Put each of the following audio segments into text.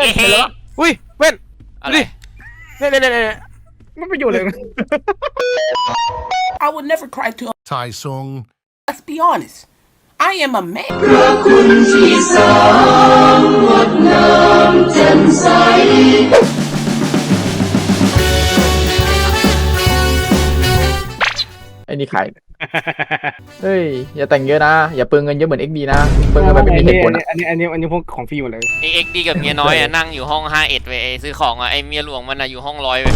เห็นแล้วอุ้ยเว้นอะไรเนี่ยไม่ประโยชน์เลย I would never cry to. Thai song. Let's be honest. I am a man. ไอ้นี่ใครเฮ้ยอย่าแต่งเยอะนะอย่าเปลืองเงินเยอะเหมือน XD นะเปลืองเงินแบบไม่มีเหตุผลอะอันนี้พวกของฟรีหมดเลยไอเอ็กดีกับเมียน้อยอ่ะนั่งอยู่ห้อง51เว้ยซื้อของอ่ะไอเมียหลวงมันอ่ะอยู่ห้อง100เว้ย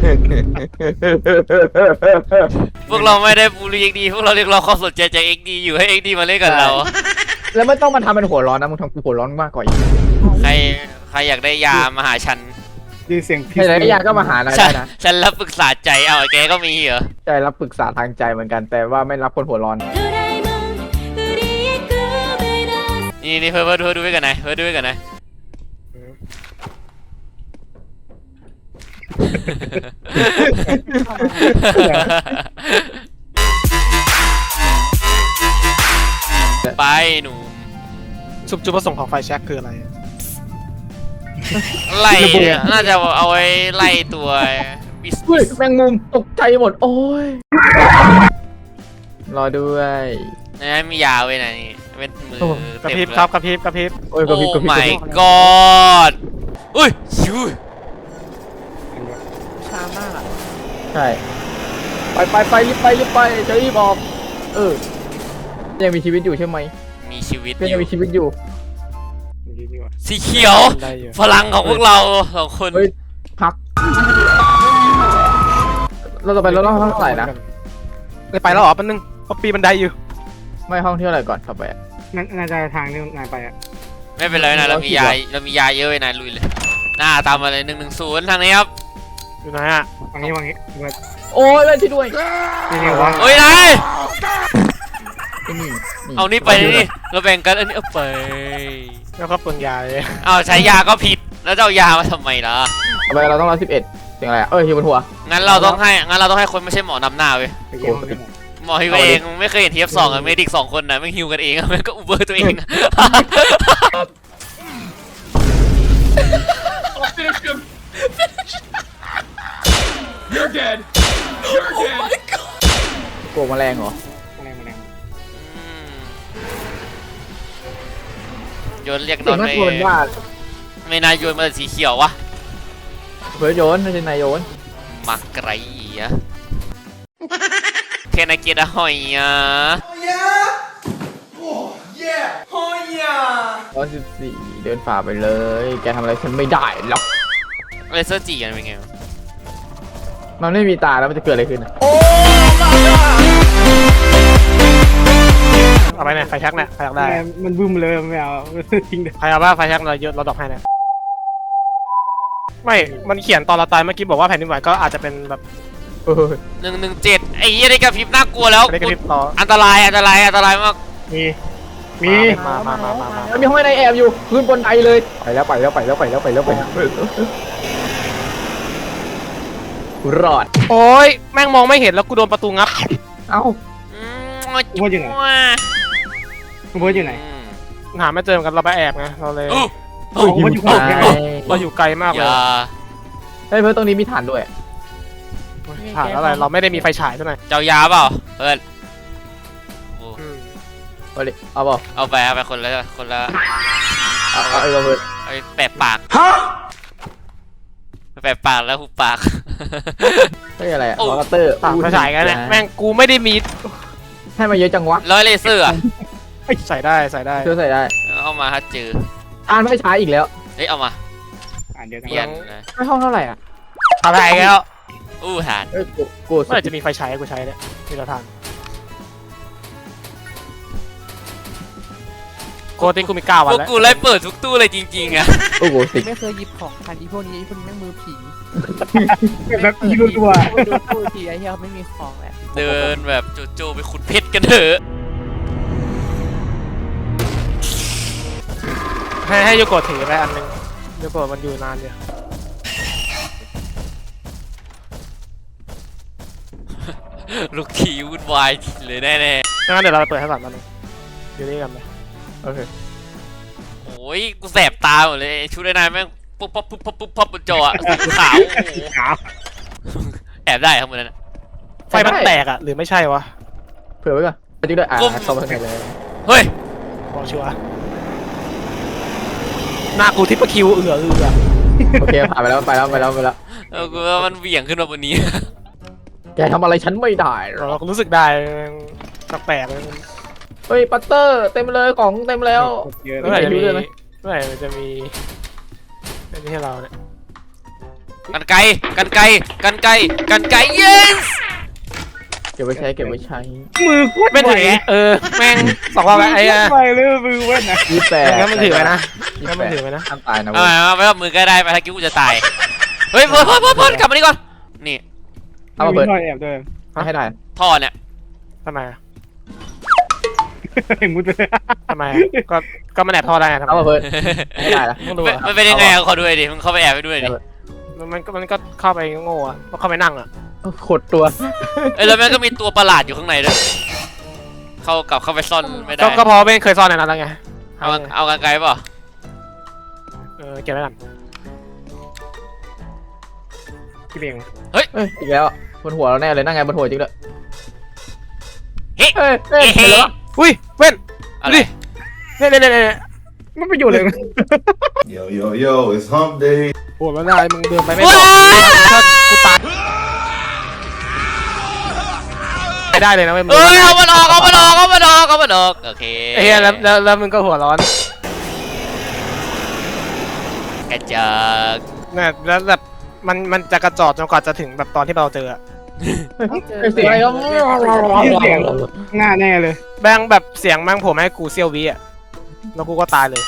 พวกเราไม่ได้บูลลี่เอ็กดีพวกเราเรียกร้องความสนใจจากเอ็กดีอยู่ให้เอ็กดีมาเล่นกับเราแล้วไม่ต้องมาทำเป็นหัวร้อนนะมึงทำกูหัวร้อนมากกว่าอีกใครอยากได้ยามาหาฉันดีเสียงใครได้ยาก็มาหาได้นะฉันรับปรึกษาใจเอาไอ้แกก็มีเหรอใจรับปรึกษาทางใจเหมือนกันแต่ว่าไม่รับคนหัวร้อนนี่เพื่อดูไว้กันนะเพื่อดูไว้กันนะไปหนูจุดประสงค์ของไฟแช็กคืออะไรไล่น่าจะเอาไว้ไล่ตัวบิสเฮ้ยแมงมุมตกใจหมดโอ้ยรอด้วยนะมียาไว้นะนี่เป็นมือกระพริบครับกระพริบกระพริบโอ้ยกระพริบกระพริบ my god อุ้ยชิวช้ามากอ่ะใช่ไปรีบไปจะรีบออกยังมีชีวิตอยู่ใช่ไหมมีชีวิตก็อยังยู่มีชีวิตอยู่สีเขียวได้อยู่พลังของพวกเราสองคนเฮ้ยพักเราจะไปแล้วห้องเท่าไหร่นะไปแล้วเหรอแป๊บนึงเพราะปีบันไดอยู่ไม่ห้องที่เท่าไหร่ก่อนต่อไปน่าจะทางที่นายไปอ่ะไม่เป็นไรนะเรามียาเยอะไว้นะลุยเลยหน้าตามมาเลย110ทางนี้ครับอยู่ไหนอ่ะวางนี้โอ้ยเล่นที่ด้วยนี่วางโอ้ยนายนี่เอานี่ไปนี่เราแบ่งกันอันนี้เอาไปแล้วก็เปลืองยาเลยเอาใช้ยาก็ผิดแล้วจะเอายามาทำไมล่ะต่อไปเราต้อง111เสียงอะไรอยู่บนหัวงั้นเราต้องให้คนไม่ใช่หมอนำหน้าเว้ยไปเยี่ยมหมอฮิวเองไม่เคยเห็นTF2อ่ะเมดิก2คนนะไม่ฮิวกันเองอ่ะมันก็อุเบอร์ตัวเองโกงแมลงเหรอโยนเรียกนเสียอง นน่าไม่กลัวเป็นว่าไม่นายโยนมาสีเขียววะเพื่อโยนไม่ใช่นายโยนมักไรอ่ะแค่นายเกียร์หอยอ่ะ 114เดินฝ่าไปเลยแกทำอะไรฉันไม่ได้หรอกเลเซอร์จีกันเป็นไงมันไม่มีตาแล้วมันจะเกิดอะไรขึ้นเอาไปเนี่ยไฟแช็กเนี่ยใครอยากได้มันบึ้มเลยไม่เอาทิ้งเด็ใครเอาบ้าไฟแช็กเราเยอะเราดรอปให้นะไม่มันเขียนตอนเราตายเมื่อกี้บอกว่าแผ่นดินไหวก็อาจจะเป็นแบบ 117ไอ้ยี่ได้กระพริบน่ากลัวแล้วไม่ได้กระพริบต่ออันตรายมากมีมามันมีห้องในแอบอยู่ขึ้นบนไดเลยไปแล้วรอดโอ้ยแม่งมองไม่เห็นแล้วกูโดนประตูงับเอ้าว่าอยู่ไหนคุณเบิร์ดอยู่ไหนหาไม่เจอเหมือนกันเราไปแอบไงเราเลยมันอยู่ข้างไหนเราอยู่ไกลมากอเลยย่าเฮ้ยเพื่อนตรงนี้มีฐานด้วยผ่านอะไรเราไม่ได้มีไฟฉายด้วยเจ้ายาเปล่าเพื่อนเอาดิเอาเปล่าเอาไปคนละเอาเพื่อนเอาไปแปะปากแปะปากแล้วหุบปากเฮ้ยอะไรอะโอ้วอเตอร์ผ่านไฟฉายกันเนี่ยแม่งกูไม่ได้มีให้มาเยอะจังวะร้อยเลเซอร์อ่ะใส่ได้เชื่อใส่ได้เอามาถ้าเจออ่านไม่ใช้อีกแล้วเฮ้ยเอามาเดียวกันเปลี่ยนนะไม่ห้องเท่าไหร่อ่ะอะไรแล้วอู้หานกูเมื่อไหร่จะมีไฟฉายให้กูใช้เนี่ยมีละทางโกติงกูมี9 วันพวกแล้วกูไล่เปิดทุกตู้เลยจริงๆอ่ะโอ้โหสิไม่เคยหยิบของทันพวกนี้แม่งมือผีแบบยีรัวดูตู้ทีไอ้เหี้ยไม่มีของแล้วเดินแบบโจไปขุดเพชรกันเถอะให้โยโกะถือไปอันนึงโยโกะมันอยู่นานอยู่ลูกทีวุ่นวายเลยแน่งั้นเดี๋ยวเราไปเปิดให้ก่อนมันงอยู่นี่กันไปโอเคๆโอ้ยกูแสบตาหมดเลยชุดไอ้นายแม่งปุ๊บปั๊บปุ๊บปั๊บปุ๊บปั๊บบนจออะขาวโอ้โหขาวแอบได้ข้างบนนั้นอะไฟมันแตกอ่ะหรือไม่ใช่วะเผื่อไว้ก่อนไปจิ้งด้วยเข้ามาข้างในเลยเฮ้ยบอกชัวร์หน้ากูทิปเปอร์คิวเอือโอเคผ่านไปแล้วไปแล้วกูว่ามันเหวี่ยงขึ้นมาบนนี้แกทำอะไรฉันไม่ได้หรเราอกก็รู้สึกได้แปลกๆเลยเฮ้ยปัตเตอร์เต็มเลยของเต็มแล้วเยอะเมื่อไหร่จะรู้มีเลยไหมเมื่อไหร่มันจะมีไม่ใช่เราเนี่ยกันไกyes เก็บไว้ใช้มือโคตรไม่ไหวถือแม่ง2 รอบแล้วไอ้ไปเลยมือเว้นนะ 28 งั้นมันถือไว้นะงั้นมันถือไว้นะห้ามตายนะเอาไปเอามือก็ได้ไปถ้ากิ้วกูจะตายเฮ้ยพ่นกลับมานี่ก่อนนี่เอามาเปิดไม่มีท่อแอบด้วยให้ได้ท่อเนี่ยทำไมอะมุดไปเลยทำไมอะก็มันแอบท่อได้ไงทำไมเอามาเปิดให้ได้ละต้องดูอะมันเป็นยังไงอะขอดูหน่อยดิมึงเข้าไปแอบไปด้วยดิมันก็เข้าไปโง่อะก็เข้าไปนั่งอะขดตัวแล้วแม่งก็มีตัวประหลาดอยู่ข้างในด้วยเข้าไปซ่อนไม่ได้ก็พอไม่เคยซ่อนในนั้นแล้วไงเอากันไกลเปล่าเก็บไว้ก่อนกี่เบียงเอ้ยอีกแล้วบนหัวเราแน่เลยนั่งไงบนหัวจริงด้วยเฮ้ยเฮ้ยเห็นแล้วอุ้ยเว้นอะไรดิเนี่ยมันไปอยู่เลย Yo, yo, yo, it's hump day. โอ้แล้วนายมึงเดินไปไม่บอกถ้ากูตายไม่ได้เลยนะเว้ยมึงเอ้ยเอามันออกโอเคไอ้เหี้ยแล้วมึงก็หัวร้อนกระจอกเนี่ยแล้วแบบมันจะกระจอกจนกว่าจะถึงแบบตอนที่เราเจออะเสียงอะไรก็เสียงหน้าแน่เลยแบงแบบเสียงแม่งผมให้กูเซียววิอะแล้วกูก็ตายเลย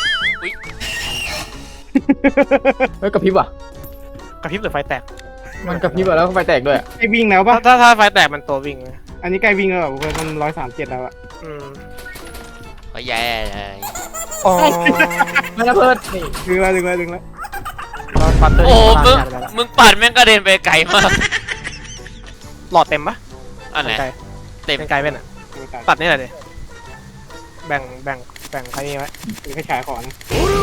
เฮ้ยกระพริบอ่ะกระพริบหรือไฟแตกมันกระพริบแล้วก็ไฟแตกด้วยใกล้วิ่งแล้วปะถ้าไฟแตกมันตัววิ่งเลยอันนี้ใกล้วิ่งแล้วแบบมัน137แล้วอะอืมก็แย่เลยอ๋อไม่นะเพิร์ดนี่ดึงแล้วเราปัดเตอร์โอ้ที่มึงผ่านไปแล้วมึงปัดแม่งกระเด็นไปไกลมากหลอดเต็มปะอันไหนไกลเต็มเป็นไกลเป็นอะตัตัดดนี่แหละดิแบ่งใครนี่ไว้แค่ฉายของนะ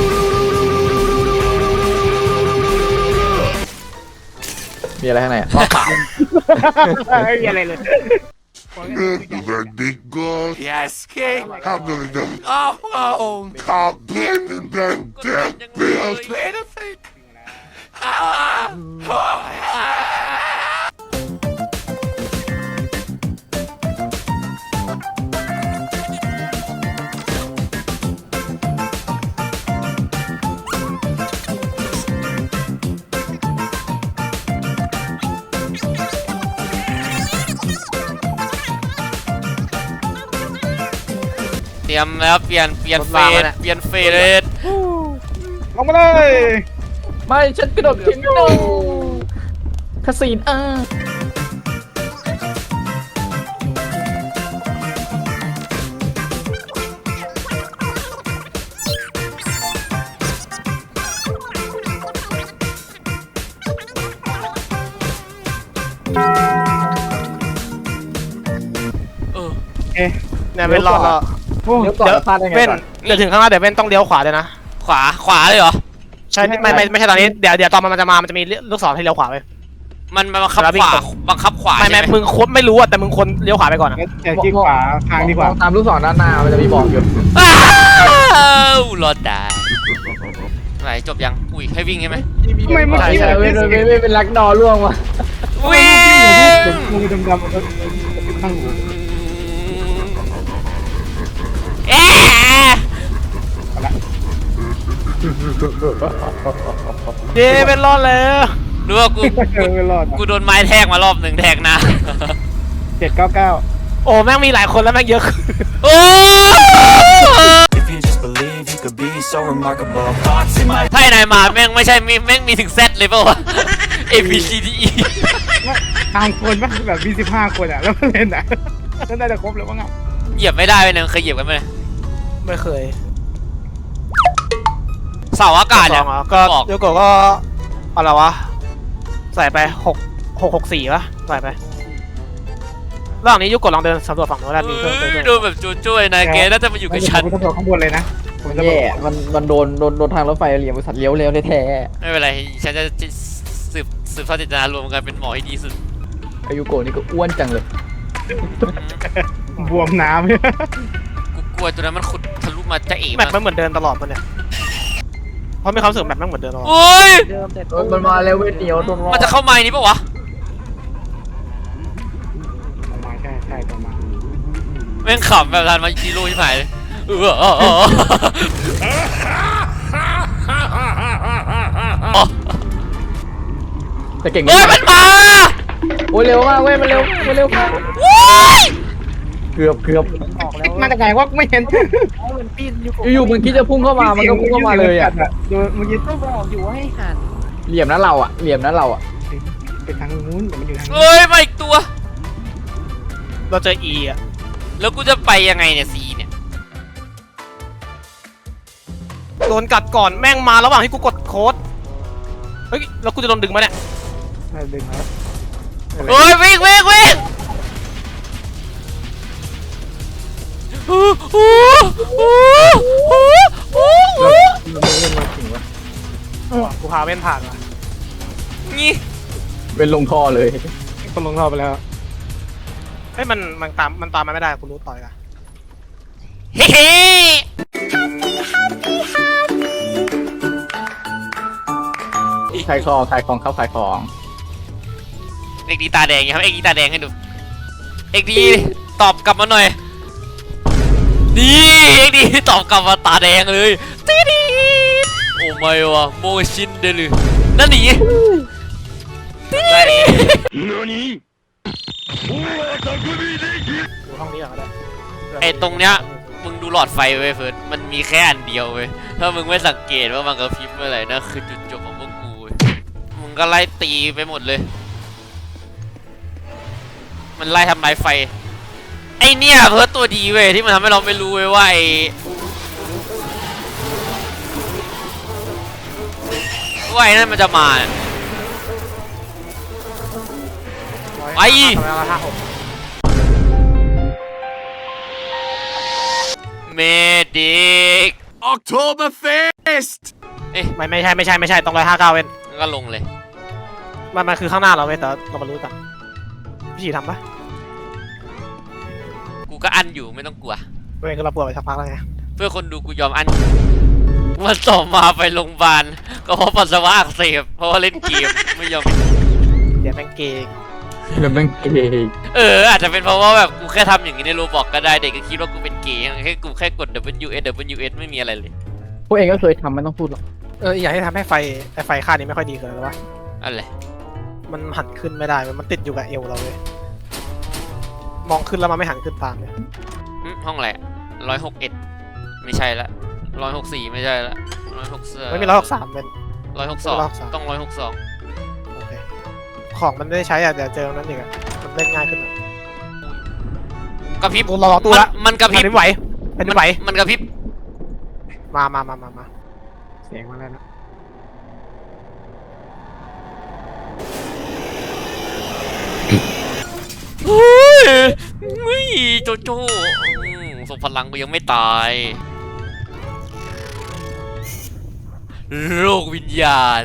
มีอะไรข้างในอ่ะไม่มีอะไรเลย That big gun. Yes, King. I'm gonna do. Oh, I've been in that damn bill. เตรียมแล้วเปลี่ยนเฟสลงมาเลยไม่ฉันกระโดดทิ้งโนคาสินเนี่ยเว้นรอดแล้วโอ้เดี๋ยวก่อนพลาดได้ไงเว้นก่อนเดี๋ยวถึงข้างหน้าเดี๋ยวเว้นต้องเลี้ยวขวาเลยนะขวาเลยเหรอใช่ไม่ใช่ตอนนี้เดี๋ยวตอนมันจะมามันจะมีลูกศรให้เลี้ยวขวาไปมันบังคับขวาไม่ใช่ไหมมึงควรไม่รู้อะแต่มึงควรเลี้ยวขวาไปก่อนอะแต่ที่ขวาทางดีกว่ามองตามลูกศรด้านหน้ามันจะมีบอกอยู่อ้าวรอดได้ไหนจบยังอุ้ยให้วิ่งใช่ไหมทำไมเมื่อใช่กี้ใช่เว้ยเป็นลักดอร่วงว่ะวิ่งมือดำๆมันก็ข้างหูเอ๊ะเย้เว้นรอดแล้วดูว่ากูไม่รอดกูโดนไม้แทกมารอบหนึ่งแทกนะ 799 โอ้แม่งมีหลายคนแล้วแม่งเยอะขึ้นโอ้ If you just believe you could be so remarkable. Thoughts in my ถ้าไอ้นายมาแม่งไม่ใช่แม่งมีถึง Z เลยเปล่าวะ A B C D E ทางคนปะแบบมี15 คนอะแล้วมันเล่นอะนั่นน่าจะครบแล้วมั้งอะเหยียบไม่ได้เลยเคยเหยียบกันไหมไม่เคยเสาอากาศสเนี่อย งอ่ะก็บอกโยโกะก็อะไรวะใส่ไป664ป่ะใส่ไประหว่างนี้โยโกะลองเดินสำรวจฝั่งโน้นแล้วมีเพิ่มดูแบบจู้ๆนายเกน่าจะมาอยู่กับฉันต้องข้างบนเลยนะผมจะแย่มันโดนทางรถไฟเหลี่ยมบริษัทเลี้ยวแล้วแท้ไม่เป็นไรฉันจะสืบทอดเจตนารวมกันเป็นหมอที่ดีสุดๆอายุโกะนี่ก็อ้วนจังเลยบวมน้ำกูกลัวตัวนั้นมันขุดทะลุมาจะเอ๋แมปมันเหมือนเดินตลอดมันเนี่ยเพราะมีความรู้สึกแมปมันเหมือนเดินตลอดโอ้ยเดิมแต่มันมาแล้วเว้ยเหนียวโดนรอมันจะเข้าไม้นี้ปะวะประมาณใช่ประมาณแม่งขำแบบทันมาจีโร่ที่ไหนเลยแต่เก่งเฮ้ยมันมาโอ้ยเร็วมากเว้ยมันเร็วมากว้ายเกือบออกแล้วมาจากไหนวะไม่เห็นมันปีนอยู่อยู่ๆมันคิดจะพุ่งเข้ามามันก็พุ่งเข้ามาเลยอ่ะดูเมื่อกี้ก็บอกอยู่ว่าให้หันเหลี่ยมนะเราอ่ะเหลี่ยมนะเราอ่ะไปทางนู้นแต่มันอยู่ทางนี้เฮ้ยมาอีกตัวเราเจอ E อ่ะแล้วกูจะไปยังไงเนี่ยซีเนี่ยโดนกัดก่อนแม่งมาระหว่างที่กูกดโค้ดเฮ้ยแล้วกูจะโดนดึงมาเนี่ยดึงแล้วเฮ้ยวิ่งกูพาเว้นผ่านว่ะนี่เป็นลงท่อเลยคนลงท่อไปแล้วเฮ้ยมันตามมาไม่ได้กูรู้ต่อยละเฮ้ขายของครับขายของเอ็กดีตาแดงครับเอ็กดีตาแดงให้ดูเอ็กดีตอบกลับมาหน่อยนี่เอ็กดีตอบกลับมาตาแดงเลยตีดีโอ้ไม่วะโมชินเดลือนั่นหนีตีดีดูห้องนี้ก่อนก็ได้ไอตรงเนี้ยมึงดูหลอดไฟเว้ยเฟิร์สมันมีแค่อันเดียวเว้ยถ้ามึงไม่สังเกตว่ามันกระพริบเมื่อไหร่นะคือจุดจบของพวกกูเว้ยมึงก็ไล่ตีไปหมดเลยมันไล่ทำลายไฟไอเนี่ยเพิร์สตัวดีเว้ยที่มันทำให้เราไม่รู้เว้ยว่าไอ้นั่นมันจะมาไปทำไมเรา56 เมดิก Oktoberfest! ไม่ใช่ต้อง159เว้นก็ลงเลยมันคือข้างหน้าเราเว้ยแต่เรามารู้กันพี่ฉีทำปะกูก็อันอยู่ไม่ต้องกลัวเว้ยคือเราปวดไปสักพักแล้วไงเพื่อคนดูกูยอมอันวันต่อมาไปโรงพยาบาลก็เพราะปัสสาวะอักเสบเพราะว่าเล่นเกมไม่ยอมเดี๋ยวแม่งเกงเดี๋ยวแม่งเกย์อาจจะเป็นเพราะว่าแบบกูแค่ทำอย่างนี้ในโรบอกก็ได้เด็กก็คิดว่ากูเป็นเกย์แค่กูแค่กด WS ไม่มีอะไรเลยพวกเองก็เคยทำไม่ต้องพูดหรอกอยากให้ทำให้ไฟค่านี้ไม่ค่อยดีเกินหรือวะอะไรมันหันขึ้นไม่ได้มันติดอยู่กับเอวเราเลยมองขึ้นแล้วมันไม่หันขึ้นตามเลยห้องอะไร161ไม่ใช่ละ164ไม่ใช่ละ163 ไม่มี163เป็น 162ต้อง162 โอเคของมันไม่ได้ใช้อ่ะเดี๋ยวเจอนั้นอีกอ่ะมันเล่นง่ายขึ้นอ่ะกระพริบกูรอตู้ละมันกระพริบแผ่นดินไหวแผ่นดินไหวมันกระพริบมาเสียงมาแล้วนะเฮ้ยโจโจ้ส่งพลังกูยังไม่ตายโลกวิญญาณ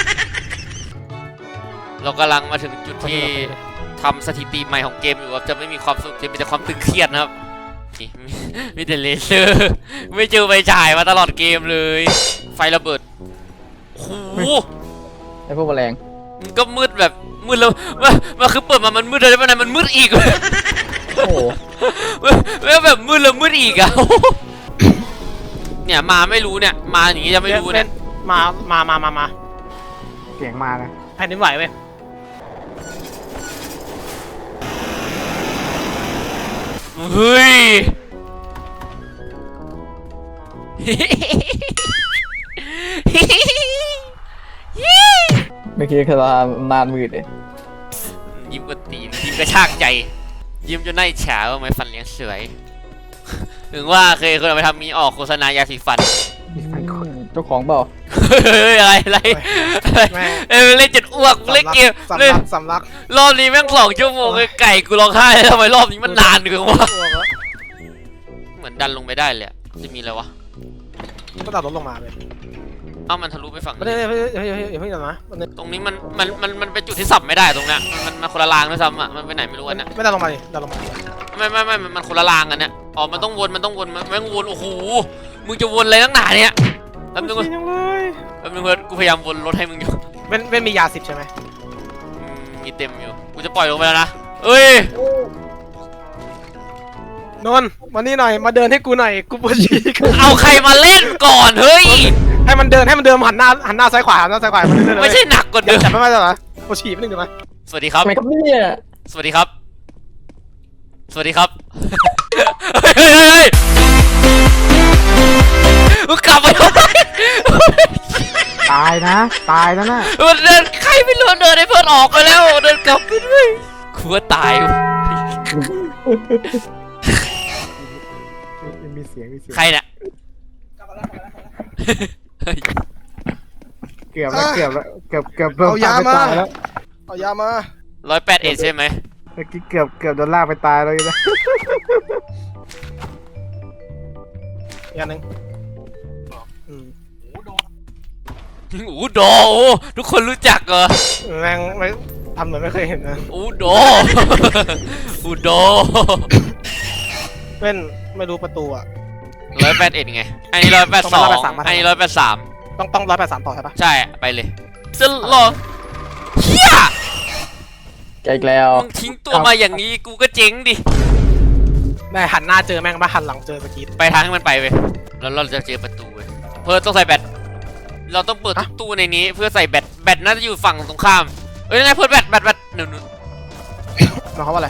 เรากำลังมาถึงจุดที่ทำสถิติใหม่ของเกมอยู่ครับจะไม่มีความสุขจะมีแต่ความตึงเครียดนะครับมีแต่เลเซอร์ไม่เจอไฟฉายมาตลอดเกมเลยไฟระเบิดโอ้โหไอ้พวกแมลงมันก็มืดแบบมืดแล้วมันคือเปิดมามันมืดเลยมันมืดอีกโอ้โหแล้วแบบมืดแล้วมืดอีกอะ เนี่ยมาไม่รู้เนี่ยมาอย่างงี้จะไม่รู้เนี่ยมาเสียงมานะแผ่นดินไหวเว้ยเฮ้ยไม่คิดว่าจะนานมืดเลยยิ้มกระตีนยิ้มกระชากใจ ยิ้มจนหน้าอิจฉาว่าไม่ฟันเลี้ยงสวย ถึงว่าเคยคนเอาไปทำมีออกโฆษณายาสีฟันเจ้าของเปล่าเฮ้ยอะไรเล่นจนอ้วกเล่นเกมเล่นสำลักรอบนี้แม่ง2 ชั่วโมงเลยไก่กูร้องไห้ทำไมรอบนี้มันนานเกินวะเหมือนดันลงไปได้เลยจะมีอะไรวะก็ตัดรถลงมาเลยเอ้ามันทะลุไปฝั่งไม่ได้ไม่เดี๋ยวนะตรงนี้มันเป็นจุดที่สับไม่ได้ตรงเนี้ยมันคนละรางด้วยซ้ำอ่ะมันไปไหนไม่รู้อันเนี้ยไม่ได้ลงมาดิได้ลงมาไม่มันคนละรางกันเนี้ยอ๋อมันต้องวนไม่งวนโอ้โหมึงจะวนอะไรตั้งหนาเนี่ยแป๊บนึงจริงเลยเพื่อนกูพยายามวนรถให้มึงอยู่เว้นมียา10ใช่ไหมมีเต็มอยู่กูจะปล่อยลงไปแล้วนะเอ้ยนนท์มานี่หน่อยมาเดินให้กูหน่อยกูปวดฉี่เอาใครมาเล่นก่อนเฮ้ยให้มันเดินหันหน้าซ้ายขวามันเดินไม่ใช่หนักกว่าเดิมจับไม่ได้เหรอปวดฉี่ไม่หนึ่งเดี๋ยวนะสวัสดีครับทำไมครับเนี่ยสวัสดีครับ สวัสดีครับ เฮ้ยมึงกลับไปทำไมตายนะน่ะมันเดินใครไม่รู้เดินให้เพื่อนออกไปแล้วเดินกลับไปด้วยกูว่าตายว่ะมีเสียงใครเนี่ยเกือบโดนลากไปตายแล้วเอายามา 108ใช่ไหมเมื่อกี้เกือบโดนลากไปตายแล้วนะยาหนึ่งอูโดโอ้ทุกคนรู้จักเหรอแรงไม่ทำเหมือนไม่เคยเห็นนะอูโด อูโดเป็นไม่รู้ประตูอ่ะ 181ไงอันนี้182อันนี้183 ต้อง183ต่อใช่ปะใช่ไปเลยจะรอเฮียแกอีกแล้วมึงทิ้งตัวมาอย่างนี้กูก็เจ๊งดิแม่หันหน้าเจอแม่งปะหันหลังเจอสกีดไปทางให้มันไปเว้ยแล้วเราจะเจอประตูเว้ยเพื่อต้องใส่แบตเราต้องเปิดทุกตู้ในนี้เพื่อใส่แบตน่าจะอยู่ฝั่งตรงข้ามเอ้ยยังไงเพื่อนแบตหนึ่งหมายความว่าอะไร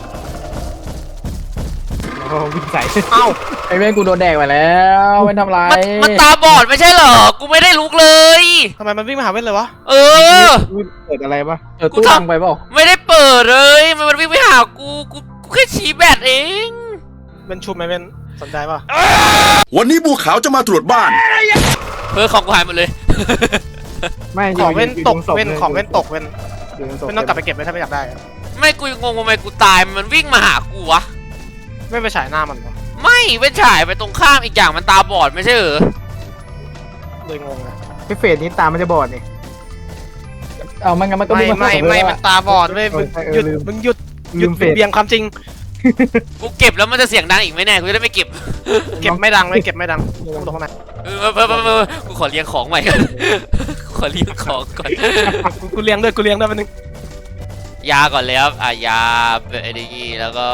โอ้วิ่งใส่เอ้าไอ้เว้นกูโดนแดกไปแล้วไม่ทำไรมันตาบอดไม่ใช่เหรอกูไม่ได้ลุกเลยทำไมมันวิ่งมาหาเว้นเลยวะเออเกิดอะไรปะตู้ดังไปเปล่าไม่ได้เปิดเลยมันวิ่งไปหากูแค่ชี้แบตเองเป็นชุบไหมเป็นสนใจป่ะวันนี้บัวขาวจะมาตรวจบ้านเพื่อของกูหายหมดเลยไม่ของเว้นตกเว้นของเว้นตกเว้เว้นนไม่ต้องกลับไปเก็บไว้ถ้าไม่อยากได้ไม่กูยังงงทำไมกูตายมันวิ่งมาหากูวะไม่ไปฉายหน้ามันวะไม่เว้นฉายไปตรงข้ามอีกอย่างมันตาบอดไม่ใช่เหรอเลยงงนะพี่เฟสนี้ตามันจะบอดนี่เอามันงั้นมันก็ไม่วิ่งาไม่มันตาบอดเว้ยมึงหยุดเบี่ยงความจริงกูเก็บแล้วมันจะเสียงดังอีกไหมแน่กูจะได้ไม่เก็บเก็บไม่ดังไม่เก็บไม่ดังตรงข้างในกูขอเลี้ยงของใหม่ก่อนกูขอเลี้ยงของก่อนกูเลี้ยงด้วยมันนึงยาก่อนเลยครับยาไอ้นี่แล้วก็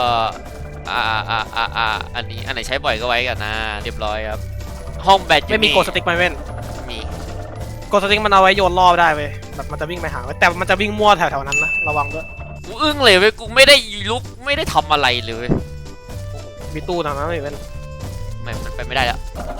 อันนี้อันไหนใช้บ่อยก็ไว้กันนะเรียบร้อยครับห้องแบตไม่มีโกสติ๊กไหมเว้นมีโกสติ๊กมันเอาไว้โยนล่อได้เว้ยแบบมันจะวิ่งไปหาแต่มันจะวิ่งมั่วแถวๆนั้นนะระวังด้วยกูอึ้งเลยเว้ยกูไม่ได้ลุกไม่ได้ทำอะไรเลยมีตู้ทางนั้นเลยเว้นไม่มันไปไม่ได้แล้ว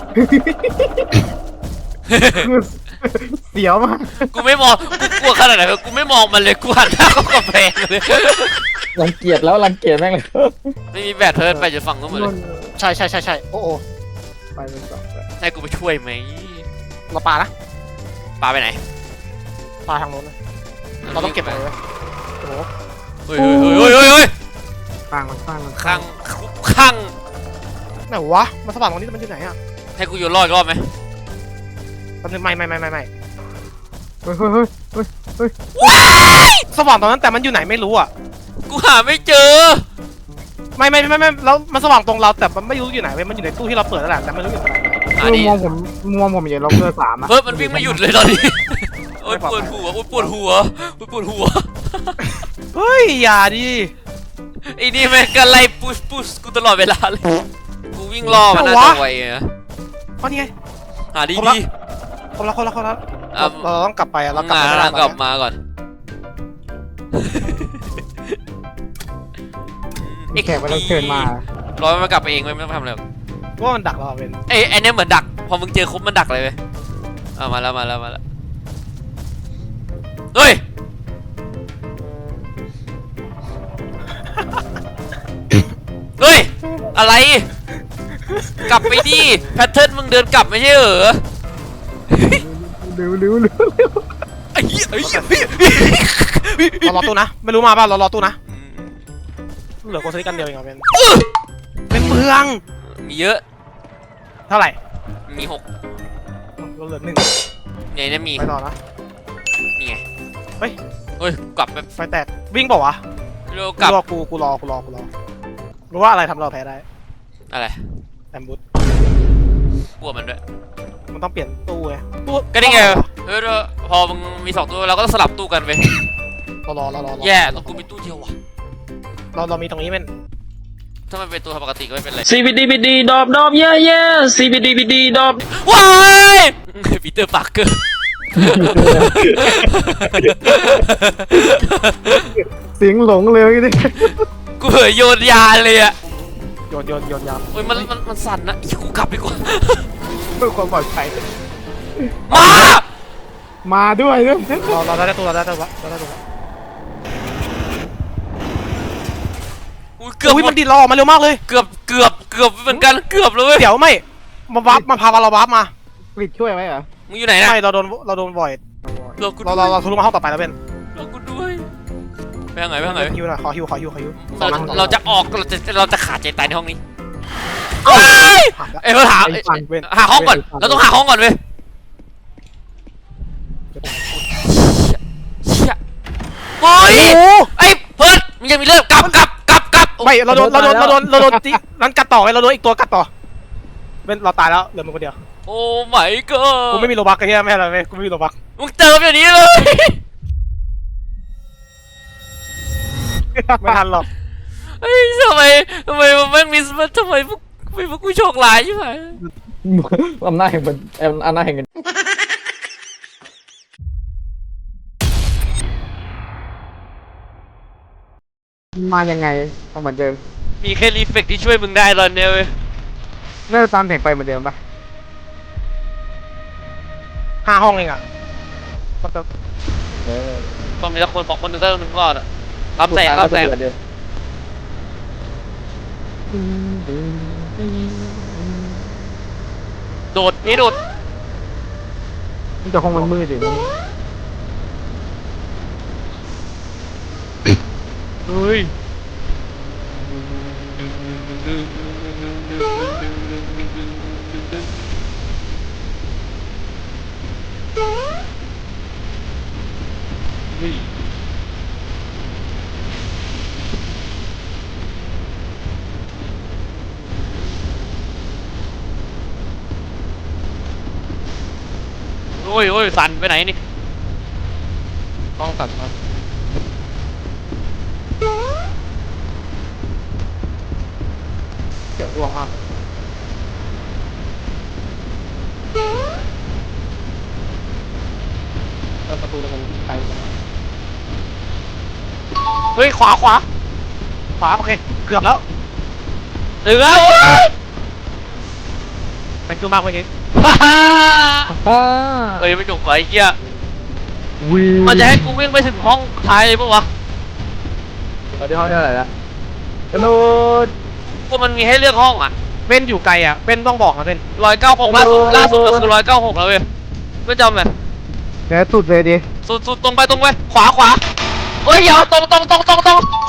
เสียวมากกูไม่มองกูกลัวขนาดไหนกูไม่มองมันเลยกูหันหน้าเข้ากำแพงเลยรังเกียจแม่งเลยไม่มีแบตเพิ่นไปจะฝั่งนู้นหมดเลยใช่โอ้โหไปเป็นสองให้กูไปช่วยไหมเราปลานะปาไปไหนปลาทางโน้นนะเราต้องเก็บอะไรไว้โอ้โหเฮ้ยข้างข้างไหนวะมันสว่างตรงนี้มันอยู่ไหนอ่ะให้กูโยนรอดอีกรอบไหมแป๊บนึงไม่เฮ้ยสว่างตรงนั้นแต่มันอยู่ไหนไม่รู้อ่ะกูหาไม่เจอไม่แล้วมันสว่างตรงเราแต่มันไม่รู้อยู่ไหนเว้ยมันอยู่ในตู้ที่เราเปิดนั่นแหละแต่ไม่รู้อยู่ไหนหาดิมองผมอยู่ล็อกเกอร์3อ่ะเพิ่มมันวิ่งไม่หยุดเลยตอนนี้โอ๊ยปวดหัวปวดหัวเฮ้ยอย่าดิไอ้นี่แม่งก็ไล่พุชกูตลอดเวลาเลยกูวิ่งล่อมันน่าจะไวอะเพราะนี่ไงหาดีคนละเราต้องกลับไปอะเรากลับไปกลับมาก่อนแขกมาแล้วเชิญมารอมันกลับไปเองไม่ต้องทำอะไรว่ามันดักเราเป็นไอ้เนี่ยเหมือนดักพอมึงเจอครบมันดักเลยเว้ยมาแล้วเฮ้ยเฮ้ยอะไรกลับไปดิแพทเทิร์นมึงเดินกลับไม่ใช่เหรอเร็วไอ้เหี้ยเรารอตู้นะไม่รู้มาป่ะเรารอตู้นะเหลือโกสติกันเดียวเองอะเป็นเมืองมีเยอะเท่าไหร่มีเราเหลือ1 ไงเนี่ยมีไปต่อนะนี่ไงเฮ้ยเฮ้ยกลับแบบไฟแตกวิ่งเปล่าวะเร็วกลับกูรอรู้ว่าอะไรทำเราแพ้ได้อะไรแอมบูสกลัวมันด้วยมันต้องเปลี่ยนตู้ไงตู้ก็นี่ไงเฮ้ยพอมึงมี2ตัวเราก็ต้องสลับตู้กันไปรอแย่ต้องกูมีตู้เดียวว่ะเรามีตรงนี้เป็นถ้ามันเป็นตัวปกติก็ไม่เป็นไร CBDBD ดอบดอบเย่เย่ CBDBD ดอบว้ายปีเตอร์ปาร์เกอร์เสียงหลงเลยนี่กูเผยโยนยาเลยอะโยนยามโอ้ยมันสั่นนะอีกูกลับดีกว่าเพื่อความปลอดภัยมามาด้วยเรื่องเราได้ตัวแล้วอุ้ยเกือบอุ้ยมันดีดเราออกมาเร็วมากเลยเกือบเหมือนกันเกือบเลยเดี๋ยวไม่มาวับมาพาเราวับมากริดช่วยไว้เหรอมึงอยู่ไหนนะไม่เราโดนบ่อยเรากูเราทะลุมาห้องต่อไปแล้วเป็นเรากูด้วยไปทางไหนฮิวหน่อยขอฮิวเราจะออกเราจะขาดใจตายในห้องนี้ผ่านแล้วเราถามหาห้องก่อนเราต้องหาห้องก่อนเว้ยโอ้ยไอ้เพิร์ดมึงยังมีเรื่องกลับไม่เราโดนตีนั้นกัดต่อไงเราโดนอีกตัวกัดต่อเป็นเราตายแล้วเหลือมึงคนเดียวโอ้ my god กูไม่มีโลบักไอ้เหี้ยไม่อะไรไม่กูไม่มีโลบักมึงเติมอย่างนี้เลยไม่ทันหรอกเฮ้ยทำไมมันไม่มีทำไมพวกกูโชคร้ายใช่ไหมอำนาจแห่งเงินมายังไงเหมือนเดิมมีแค่รีเฟกที่ช่วยมึงได้ตอนเนี้ยเว้ยเริ่มตามแสงไฟเหมือนเดิมปะ 5 ห้องเองอ่ะต้องมีสักคนบอกคนหนึ่งสักคนหนึ่งก่อนอะรับแสงโดดมันจะคงมันมืดอยู่เฮ้ยโอ้ยสั่นไปไหนนี่ห้องตัดมาเดี๋ยวร่วงมากประตูมันไกลเฮ้ยขวาโอเคเกือบแล้วถึงแล้วเป็นตัวมากเมื่อกี้เฮ้ยไม่จบไอ้เหี้ยมันจะให้กูวิ่งไปถึงห้องท้ายเลยปะวะตอนที่ห้องเท่าไหร่ละกระโดดก็มันมีให้เลือกห้องอ่ะเป็นอยู่ไกลอ่ะเป็นต้องบอกนะเป็น 196ล่าสุดก็คือ196แล้วเว้ยไม่จำเลยเดี๋ยวสุดเลยดิสุดตรงไปขวาเฮ้ยอย่าตรงขวาตรงขวา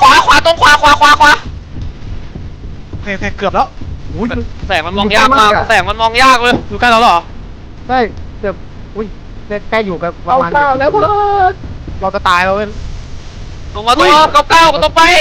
โอเคเกือบแล้วแสงมันมองยากมากเลยอยู่ใกล้เราเหรอใช่เกือบอุ้ยใกล้อยู่กับประมาณแล้วเพื่อนเราจะตายแล้วเป็นตรงมาตัวเก้าก็ตรงไป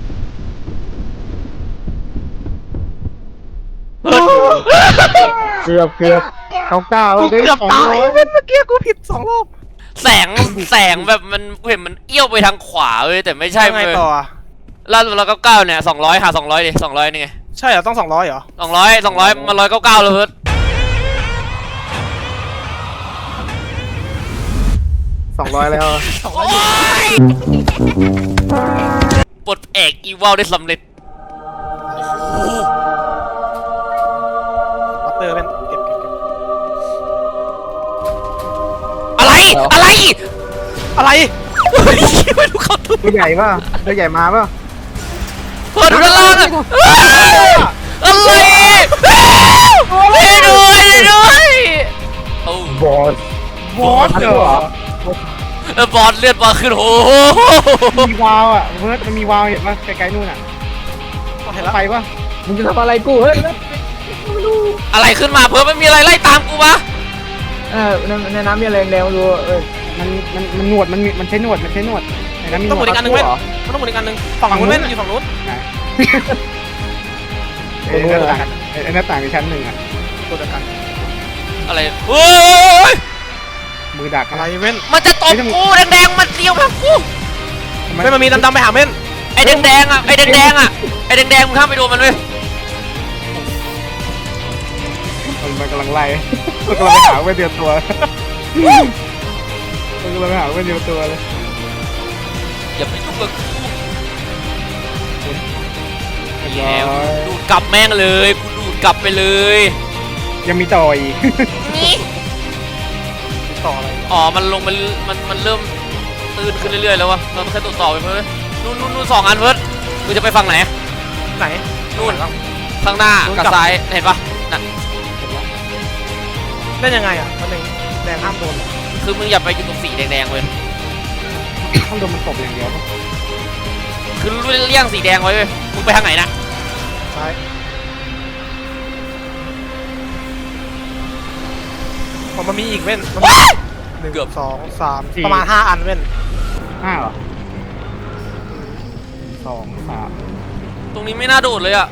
เกือบเก้าแล้วเกือบตายเป็นเมื่อกี้กูผิด2 รอบแสงแบบมันเห็นมันเอี้ยวไปทางขวาเว้ยแต่ไม่ใช่ไงต่อล่าสุด199เนี่ย200หา200ดิ200นี่ไงใช่เหรอต้อง200เหรอ 200มัน199แล้วเพิ่น 200แล้วปลดเอกอีวอลได้สำเร็จวัตเตอร์เป็นเก็บอะไรอะไรไม่รู้เขาทุบตัวใหญ่ป่ะตัวใหญ่มาป่ะเปิดด้านล่างอะอะไรด้วยโอ้บอสเหรอบอลเลือดมาขึ้นโอ้โหมีวาวอ่ะเพิร์ดมันมีวาวเห็นป่ะไกลๆนู่นอ่ะเห็นแล้วไปป่ะมึงจะทำอะไรกูเฮ้ยอะไรขึ้นมาเพิ่มไม่มีอะไรไล่ตามกูวะในน้ำมีอะไรแดงๆดูมันหนวดมันใช้หนวดไอ้นั้นมีหนต้องหมุวน ดอีกอันหนึงเว้นมันต้องหมุนอีกอันหนึงฝั่งนู้นเว้นอยู่ฝั่งนู้นไอ้หน้าต่างไอ้หน้าต่างในชั้นหนึ่งอ่ะตัวเดียวกันอะไรโอ้ยมือดักอะไรเว้นมันจะตบกูแดงๆมันเดียวแบบกูเว้นมันมีดำๆไปหาเว้นไอ้แดงๆอ่ะไอ้แดงๆอ่ะไอ้แดงๆมึงข้ามไปโดนมันเว้ยมันกำลังไล่มันกำลังไปหาเว้นเดียวตัวมันกำลังไปหาเว้นเดียวตัวเลยอย่าไปยุ่งกับกูเรียบร้อยดูดกลับแม่งเลยกูดูดกลับไปเลยยังมีต่ออีกนี่ต่ออะไรอ๋อมันลงมันเริ่มตื้นขึ้นเรื่อยๆแล้ววะเราต้องแค่ตรวจสอบไปเพิ่มนู่น2 อันเพิ่มมึงจะไปฝั่งไหนไหนนู่นข้างหน้ากับซ้ายเห็นปะน่ะเล่นยังไงอ่ะมันหนึ่งแดงห้ามโดนเหรอคือมึงอย่าไปอยู่ตรงสีแดงๆเลยข้างโดนมันตบอย่างเดียวปะคือเลี่ยงสีแดงไว้เว้ยมึงไปทางไหนนะซ้ายมันมีอีกเว้นมันมี1 2 3ประมาณ5 อันเว้น 5 เหรอ 2 3 ตรงนี้ไม่น่าโดดเลยอ่ะ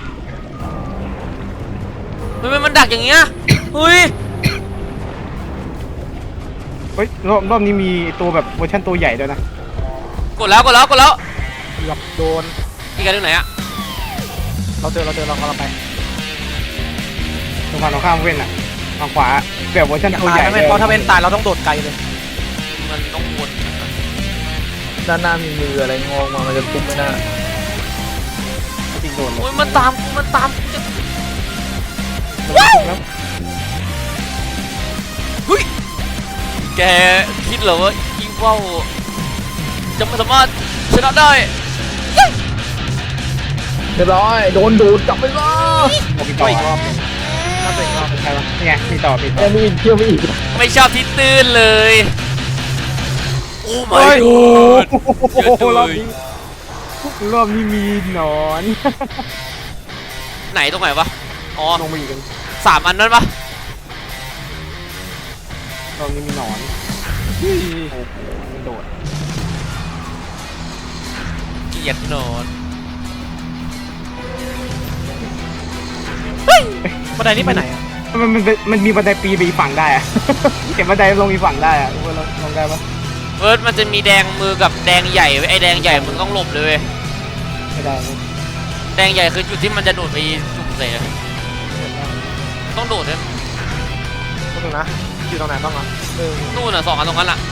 มันดักอย่างเงี้ยเฮ้ยเฮ้ยรอบนี้มีตัวแบบเวอร์ชันตัวใหญ่ด้วยนะกดแล้วเกือบโดนอีกอันนึงไหนอ่ะเราเจอเรากำลังไปตรงฝั่งตรงข้ามเว้นอ่ะทางขวาแบบเวอร์ชันอย่าตัวตาใหยญ่นะเว้นเพราะถ้าเว้นตายเราต้องโดดไกลเลยมันต้องวนด้านหน้ามีมืออะไรงอกมามันจะทุบไม่น่าจริงโดนเลยโอ้ยมันตามกูจะแล้วแกคิดเหรอว่าอีว่าวจะไม่สามารถชนะได้เรียบร้อยโดนดูดกลับไปซะมีต่ออีกรอบนึงน่าจะอีกรอบใช่ปะนี่ไงมีต่อยังมีอีกเที่ยวมีอีกไม่ชอบที่ตื้นเลยโอ้เฮ้ my ย god โอ้โหรอบนี้มีหนอนไหนตรงไหนวะอ๋อลงมาอีกกัน 3 อันนั้นปะรอบนี้มีหนอนโอ้โหมันโดดเกลียดนอนบันไดนี้ไปไหนอ่ะมันมีบันไดปีไปอีกฝั่งได้อะ เก็บบันไดลงอีกฝั่งได้อะลงได้ปะเฟิร์สมันจะมีแดงมือกับแดงใหญ่เว้ยไอ้แดงใหญ่มึงต้องหลบเลยเว้ยไม่ได้แดงใหญ่คือจุดที่มันจะโดดไปจุ่มใส่อะต้องโดดด้วยก็ถึงนะอยู่ตรงไหนบ้างอ่ะนู่นอ่ะ2 อันตรงนั้นอ่ะ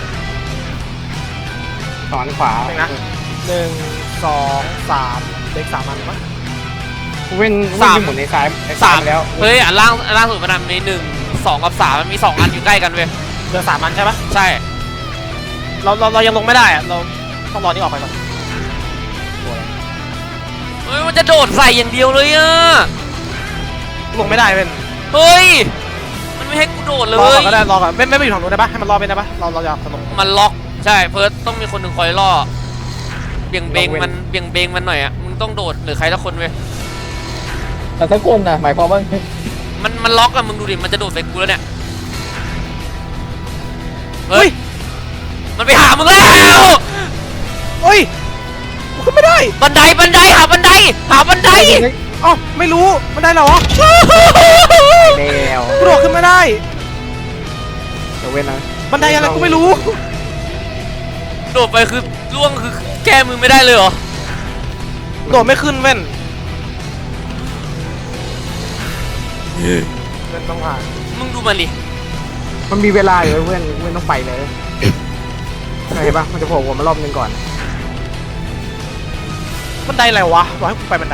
สอนขวา 1 2 3เด็ก3 อันมั้งเว้นหมุนในซ้ายแล้วเฮ้ยอันล่างสุดมันมี1 2 กับ 3มันมี2 อันอยู่ใกล้กันเว้ยเหลือ3 อันใช่ปะใช่เรายังลงไม่ได้อ่ะเราต้องรอนี่ออกไปก่อนเฮ้ยมันจะโดดใส่อย่างเดียวเลยอ่ะลงไม่ได้เว้นเฮ้ยมันไม่ให้กูโดดเลรอก่อย นก็ได้รอก่อนไม่ไปอยู่ฝั่งนู้นได้ปะให้มันรอไปได้ปะเราอยากลงมันล็อกใช่เฟิร์สต้องมีคนหนึ่งคอยล่อเบี่ยงเบงมันหน่อยอ่ะมึงต้องโดดหรือใครสักคนเว้ยแต่ถ้าคนนะหมายความว่ามันล็อกอะมึงดูดิมันจะโดดใส่กูแล้วเนี่ยเฮ้ยมันไปหามึงแล้วเฮ้ยขึ้นไม่ได้บันไดหาบันไดอ๋อไม่รู้มันได้เหรอแล้วกูโดดขึ้นไม่ได้เดี๋ยวเว้นนะบันไดอะไรกูไม่รู้โดดไปคือล่วงคือแก้มือไม่ได้เลยเหรอโดดไม่ขึ้นเว้นเว้นต้องผ่านมึงดูมันดิมันมีเวลาอยู่เว้นต้องไปเลยเห็นปะมันจะโผล่หัวมารอบนึงก่อนบันไดอะไรวะบอกให้กูไปบันได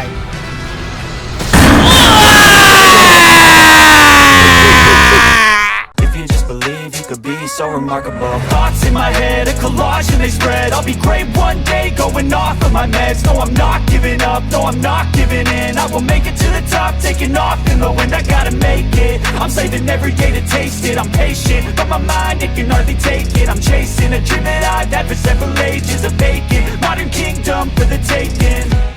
If you just believe, you could be so remarkable. Thoughts in my head, a collage and they spread. I'll be great one day, going off of my meds. No, I'm not giving up, no, I'm not giving in. I will make it to the top, taking off in the wind. I gotta make it, I'm saving every day to taste it. I'm patient, but my mind, it can hardly take it. I'm chasing a dream that I've had for several ages. A vacant, modern kingdom for the taking.